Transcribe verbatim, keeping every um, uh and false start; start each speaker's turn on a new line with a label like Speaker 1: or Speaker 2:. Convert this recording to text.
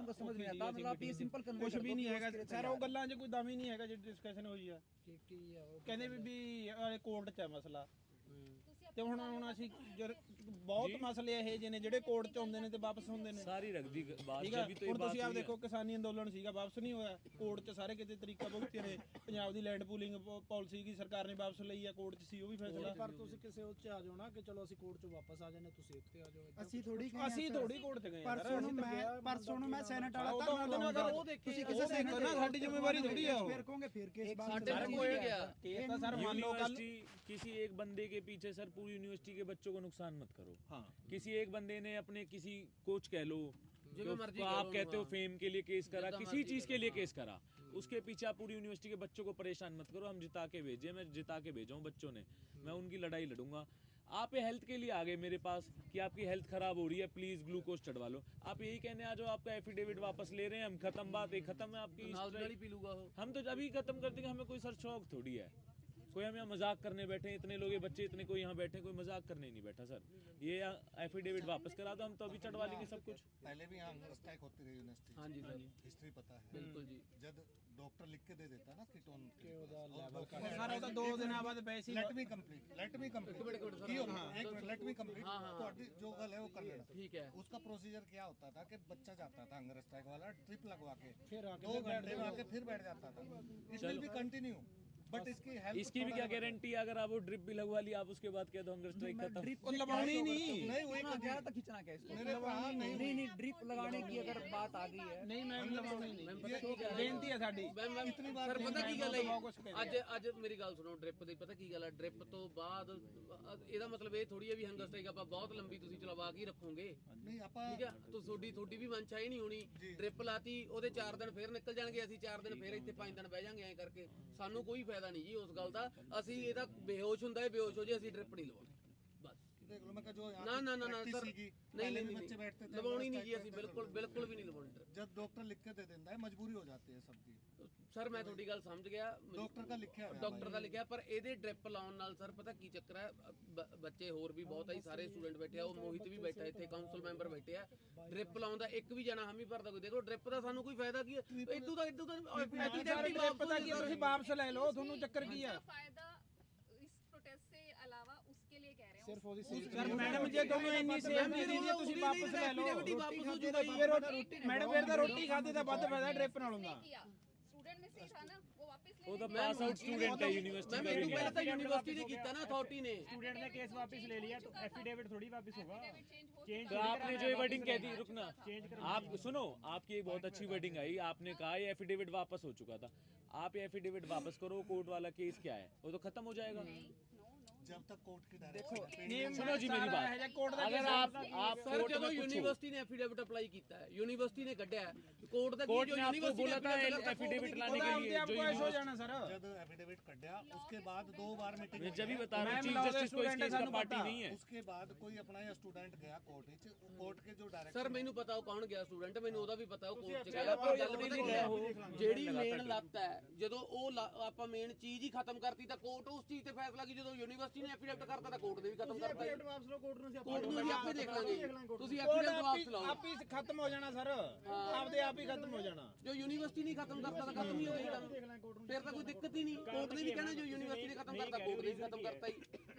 Speaker 1: को समझ नहीं आता, मतलब आप ये सिंपल कन्वे
Speaker 2: ਕੁਝ ਵੀ ਨਹੀਂ ਹੈਗਾ ਸਰ, ਉਹ ਗੱਲਾਂ 'ਚ ਕੋਈ ਦਮ ਹੀ ਨਹੀਂ ਹੈਗਾ ਜਿਹੜੀ ਡਿਸਕਸ਼ਨ ਹੋਈ ਆ। ਕਹਿੰਦੇ ਵੀ ਵੀ ਕੋਰਟ 'ਚ ਹੈ ਮਸਲਾ, ਤੇ ਹੁਣ ਹੁਣ ਅਸੀਂ ਬਹੁਤ ਮਸਲੇ ਇਹ ਜਿਹੇ ਨੇ ਜਿਹੜੇ ਕੋਰਟ 'ਚ ਆਉਂਦੇ ਨੇ ਤੇ ਵਾਪਸ ਹੁੰਦੇ ਨੇ।
Speaker 3: ਸਾਰੀ ਰੱਖ ਦੀ ਬਾਤ
Speaker 2: ਠੀਕ ਹੈ, ਹੁਣ ਤੁਸੀਂ ਆਪ ਦੇਖੋ ਕਿਸਾਨੀ ਅੰਦੋਲਨ ਸੀਗਾ, ਵਾਪਸ ਨਹੀਂ ਹੋਇਆ, ਕੋਰਟ 'ਚ ਸਾਰੇ ਕਿਤੇ ਤਰੀਕਾ ਭੁਗਤੇ ਨੇ। ਪੰਜਾਬ ਦੀ ਲੈਂਡ ਪੂਲਿੰਗ ਪਾਲਿਸੀ ਕੀ ਸਰਕਾਰ ਨੇ ਵਾਪਸ ਲਈ ਆ, ਕੋਰਟ 'ਚ ਸੀ ਉਹ ਵੀ ਫੈਸਲਾ।
Speaker 4: ਪਰ ਤੁਸੀਂ ਕਿਸੇ ਉੱਚ ਆ ਜਾਓ ਨਾ ਕਿ ਚਲੋ ਅਸੀਂ ਕੋਰਟ 'ਚੋਂ ਵਾਪਸ ਆ ਜਾਂਦੇ, ਤੁਸੀਂ ਇੱਥੇ ਆ ਜਾਓ।
Speaker 5: ਅਸੀਂ ਥੋੜੀ
Speaker 2: ਅਸੀਂ ਥੋੜੀ ਕੋਰਟ 'ਚ ਗਏ ਯਾਰ,
Speaker 5: ਪਰਸੋਂ ਨੂੰ ਮੈਂ ਪਰਸੋਂ ਨੂੰ ਮੈਂ ਸੈਨੇਟ ਵਾਲਾ
Speaker 2: ਉਹ ਤਾਂ ਉਹਦੇ ਨਾਲ ਉਹ ਦੇਖੇ, ਤੁਸੀਂ ਕਿਸੇ ਸੈਨੇਟ ਨਾ, ਸਾਡੀ ਜ਼ਿੰਮੇਵਾਰੀ ਥੋੜੀ ਆ ਉਹ।
Speaker 5: ਫਿਰ ਕਹੋਗੇ ਫਿਰ ਕੇਸ ਬਾਤ
Speaker 2: ਸਾਡੇ ਕੋਈ ਕੇਸ ਤਾਂ ਸਰ ਮੰਨ ਲਓ ਕੱਲ
Speaker 3: किसी एक बंदे के पीछे सर पूरी यूनिवर्सिटी के बच्चों को नुकसान मत करो।
Speaker 2: हाँ,
Speaker 3: किसी एक बंदे ने अपने किसी कोच कह लो जो आप कहते हो फेम के लिए केस करा, किसी चीज के लिए केस करा, उसके पीछे आप पूरी यूनिवर्सिटी के बच्चों को परेशान मत करो। हम जिता के भेजे, मैं जिता के भेजा हूँ बच्चों ने, मैं उनकी लड़ाई लड़ूंगा। आप ये हेल्थ के लिए आ गए मेरे पास कि आपकी हेल्थ खराब हो रही है, प्लीज ग्लूकोज चढ़वा लो। आप यही कहने आ जाओ आपका एफिडेविट वापस ले रहे हैं हम, खत्म बात है, खत्म है आपकी। हम तो अभी खत्म कर देंगे, हमें कोई सर शौक थोड़ी है, कोई हम यहाँ मजाक करने बैठे, इतने लोग ये बच्चे इतने कोई यहाँ बैठे, कोई मजाक करने नहीं बैठा सर। ये एफिडेविट वापस करा दो, हम तो अभी चढ़वा लेंगे सब कुछ।
Speaker 6: पहले भी यहाँ हंगर स्ट्राइक होती रही यूनिवर्सिटी। हाँ जी सर, हिस्ट्री पता है बिल्कुल जी। जब डॉक्टर लिख के दे देता ना कीटोन के
Speaker 2: ਸਰ ਉਹ ਤਾਂ ਦੋ ਦਿਨਾਂ ਬਾਅਦ ਪੈਸੇ
Speaker 6: let me complete let me complete एक मिनट लेट मी कंप्लीट ਤੁਹਾਡੀ ਜੋ ਗੱਲ ਹੈ ਉਹ ਕਰ ਲੈਣਾ ठीक है। उसका प्रोसीजर क्या होता था कि बच्चा जाता था हंगर स्ट्राइक वाला, ट्रिप लगवा के दो घंटे में आके फिर बैठ जाता था। It will be continue, but इसकी हेल्थ
Speaker 3: इसकी भी क्या गारंटी, अगर आप वो ड्रिप भी लगवा ली आप उसके बाद कह दो हंगर स्ट्राइक खत्म।
Speaker 5: ड्रिप
Speaker 2: लगवानी नहीं
Speaker 6: नहीं हुई
Speaker 5: क्या तक खींचना क्या इसको?
Speaker 6: मेरे वहाँ नहीं
Speaker 5: नहीं नहीं ड्रिप लगाने की अगर बात आ गई है,
Speaker 2: ਨਹੀਂ ਮੈਮ ਲਵਾਉਣੀ ਨਹੀਂ, ਬੇਨਤੀ ਹੈ ਸਾਡੀ।
Speaker 6: इतनी बार
Speaker 7: ਸਰ ਪਤਾ ਕੀ ਗੱਲ ਹੈ, ਅੱਜ ਅੱਜ ਮੇਰੀ ਗੱਲ ਸੁਣੋ, ਡ੍ਰਿਪ ਦੀ ਪਤਾ ਕੀ ਗੱਲ ਹੈ, ਡ੍ਰਿਪ ਤੋਂ ਬਾਅਦ ਇਹਦਾ ਮਤਲਬ ਇਹ ਥੋੜੀ ਹੈ ਵੀ ਹੰਗਰ ਸਟ੍ਰਾਈਕ ਆਪਾਂ ਬਹੁਤ ਲੰਬੀ ਤੁਸੀਂ ਚਲਵਾ ਕੇ ਰੱਖੋਗੇ।
Speaker 6: नहीं आपा
Speaker 7: ਠੀਕ ਹੈ, ਤੋ ਤੁਹਾਡੀ ਤੁਹਾਡੀ ਵੀ ਮਨਸ਼ਾ ਹੀ ਨਹੀਂ ਹੋਣੀ। ਡ੍ਰਿਪ ਲਾਤੀ, ਉਹਦੇ ਚਾਰ ਦਿਨ ਫੇਰ ਨਿਕਲ ਜਾਣਗੇ, ਅਸੀਂ ਚਾਰ ਦਿਨ ਫੇਰ ਇੱਥੇ ਪੰਜ ਦਿਨ ਬਹਿ ਜਾਾਂਗੇ ਐਂ ਕਰਕੇ। ਸਾਨੂੰ ਕੋਈ ਫਾਇਦਾ ਨਹੀਂ ਜੀ ਉਸ ਗੱਲ ਦਾ। ਅਸੀਂ ਇਹਦਾ ਬੇਹੋਸ਼ ਹੁੰਦਾ ਹੈ, ਬੇਹੋਸ਼ ਹੋ ਜੇ, ਅਸੀਂ ਡ੍ਰਿਪ ਨਹੀਂ ਲਵਾਉਣੀ ਬਸ।
Speaker 6: देख लो मैं कहा जो
Speaker 7: ਨਾ ਨਾ ਨਾ ਨਾ ਸਰ, ਨਹੀਂ
Speaker 6: पहले
Speaker 7: ਨਹੀਂ
Speaker 6: भी बच्चे बैठते थे
Speaker 7: ਲਵਾਉਣੀ ਨਹੀਂ ਜੀ, ਅਸੀਂ ਬਿਲਕੁਲ ਬਿਲकुल ਵੀ ਨਹੀਂ ਲਵਾਉਣੀ ਡ੍ਰਿਪ।
Speaker 6: जब डॉक्टर लिख के दे देता है मजबूरी हो जाती है सबकी।
Speaker 7: ਸਰ ਮੈਂ ਤੁਹਾਡੀ ਗੱਲ ਸਮਝ ਗਿਆ,
Speaker 6: डॉक्टर का लिखा है
Speaker 7: ਡਾਕਟਰ ਦਾ ਲਿਖਿਆ, ਪਰ ਇਹਦੇ ਡ੍ਰਿਪ ਲਾਉਣ ਨਾਲ ਸਰ ਪਤਾ ਕੀ ਚੱਕਰ ਹੈ, ਬ- ਬੱਚੇ ਹੋਰ ਵੀ ਬਹੁਤ ਆ, ਸਾਰੇ ਸਟੂਡੈਂਟ ਬੈਠੇ ਆ, ਉਹ ਮੋਹਿਤ ਵੀ ਬੈਠਾ ਇੱਥੇ, ਕਾਉਂਸਲ ਮੈਂਬਰ ਬੈਠੇ ਆ। ਡ੍ਰਿਪ ਲਾਉਣ ਦਾ ਇੱਕ ਵੀ ਜਣਾ ਹਾਮੀ ਭਰਦਾ ਕੋਈ, ਦੇਖੋ ਡ੍ਰਿਪ ਦਾ ਸਾਨੂੰ ਕੋਈ ਫਾਇਦਾ ਕੀ ਹੈ? ਇਦੋਂ ਦਾ ਇਦੋਂ ਦਾ
Speaker 2: ਪਤਾ ਕੀ ਤੁਸੀਂ ਵਾਪਸ ਲੈ ਲਓ, ਤੁਹਾਨੂੰ ਚੱਕਰ ਕੀ ਆ?
Speaker 8: फायदा इस प्रोटेस्ट से अलावा उसके लिए कह रहे हैं
Speaker 4: ਸਿਰਫ ਉਹਦੀ
Speaker 2: ਸਰ ਮੈਡਮ ਜੇ ਤੁਹਾਨੂੰ ਇੰਨੀ ਸੇਫਟੀ ਦੀ ਹੈ ਤੁਸੀਂ ਵਾਪਸ ਲੈ ਲਓ।
Speaker 7: ਵਾਪਸ ਹੋ ਜਾਊਗਾ ਜੀ।
Speaker 2: ਫਿਰ ਮੈਡਮ ਫਿਰ ਤਾਂ ਰੋਟੀ ਖਾਦੇ ਤਾਂ ਵੱਧ ਫਾਇਦਾ ਡ੍ਰਿਪ ਨਾਲ ਹੁੰਦਾ।
Speaker 8: स्टूडेंट में से ही था ना, वो वापस
Speaker 3: वो
Speaker 8: ले
Speaker 3: तो पास आउट स्टूडेंट है यूनिवर्सिटी
Speaker 7: ਮੈਂ
Speaker 3: का
Speaker 7: ਮੈਨੂੰ
Speaker 3: भी
Speaker 7: ਪਹਿਲਾਂ ਤਾਂ
Speaker 3: नहीं है।
Speaker 7: यूनिवर्सिटी ने ਕੀਤਾ ना, अथॉरिटी ने।
Speaker 9: स्टूडेंट ने केस वापस ले लिया तो एफिडेविट थोड़ी वापस होगा।
Speaker 3: तो आपने जो वर्डिंग कह दी, रुकना आप सुनो, आपकी एक बहुत अच्छी वर्डिंग आई, आपने कहा ये एफिडेविट वापस हो चुका था। आप ये एफिडेविट वापस करो, कोर्ट वाला केस क्या है वो तो खत्म हो जाएगा।
Speaker 6: जब तक कोर्ट की डायरेक्शन
Speaker 3: सुनो जी मेरी बात, अगर आप आप
Speaker 7: सर
Speaker 3: कोर्ट
Speaker 7: ਜਦੋਂ
Speaker 3: में पूछो,
Speaker 7: यूनिवर्सिटी ने एफिडेविट अप्लाई ਕੀਤਾ ਹੈ, यूनिवर्सिटी ने ਕੱਢਿਆ है, कोर्ट ਦਾ
Speaker 3: कोर्ट
Speaker 7: जो
Speaker 3: ने आपको
Speaker 7: यूनिवर्सिटी
Speaker 3: बोला था एफिडेविट लाने के लिए, जो
Speaker 2: हो जाना सर।
Speaker 6: जब एफिडेविट कट गया उसके बाद दो बार मीटिंग
Speaker 3: मैं जब भी बता रहा हूँ चीफ जस्टिस को इस केस का पार्टी नहीं है।
Speaker 6: उसके बाद कोई अपना या स्टूडेंट गया कोर्ट ਵਿੱਚ, कोर्ट के जो डायरेक्टर
Speaker 7: ਸਰ ਮੈਨੂੰ ਪਤਾ ਉਹ ਕੌਣ ਗਿਆ ਸਟੂਡੈਂਟ, ਮੈਨੂੰ ਉਹਦਾ ਵੀ ਪਤਾ ਉਹ ਕੋਰਟ ਚ ਗਿਆ। ਪਰ ਗੱਲ ਪਤਾ ਕੀ ਹੈ, ਜਿਹੜੀ ਮੇਨ ਲੱਤ ਹੈ, ਜਦੋਂ ਉਹ ਲ- ਆਪਾਂ ਮੇਨ ਚੀਜ਼ ਹੀ ਖਤਮ ਕਰਤੀ ਤਾਂ ਕੋਰਟ ਉਸ ਚੀਜ਼ ਤੇ ਫੈਸਲਾ ਕੀ, ਜਦੋਂ ਯੂਨੀਵਰਸਿਟੀ ਨੇ ਐਫੀਡੇਵਿਟ ਕਰਤਾ ਤਾਂ ਕੋਰਟ ਨੇ ਵੀ ਖਤਮ ਕਰਤਾ।
Speaker 4: ਵਾਪਸ ਲਓ ਕੋਰਟ ਨੂੰ,
Speaker 7: ਕੋਰਟ ਨੂੰ ਵੀ ਆਪੇ ਦੇਖ ਲਾਂਗੇ, ਤੁਸੀਂ ਐਫੀਡੇਵਿਟ ਵਾਪਸ ਲਾਓ।
Speaker 2: ਆਪ ਹੀ ਖਤਮ ਹੋ ਜਾਣਾ ਸਰ, ਆਪਦੇ ਆਪ ਹੀ ਖਤਮ ਹੋ ਜਾਣਾ।
Speaker 7: ਜੋ ਯੂਨੀਵਰਸਿਟੀ ਨਹੀਂ ਖਤਮ ਕਰਤਾ ਤਾਂ ਖਤਮ ਹੀ ਹੋ ਗਿਆ, ਫਿਰ ਤਾਂ ਕੋਈ ਦਿੱਕਤ ਹੀ ਨਹੀਂ। ਕੋਰਟ ਨੇ ਵੀ ਕਹਿਣਾ ਜੋ ਯੂਨੀਵਰਸਿਟੀ ਨੇ ਖਤਮ ਕਰਤਾ, ਕੋਰਟ ਨੇ ਵੀ ਖਤਮ ਕਰਤਾ ਹੀ।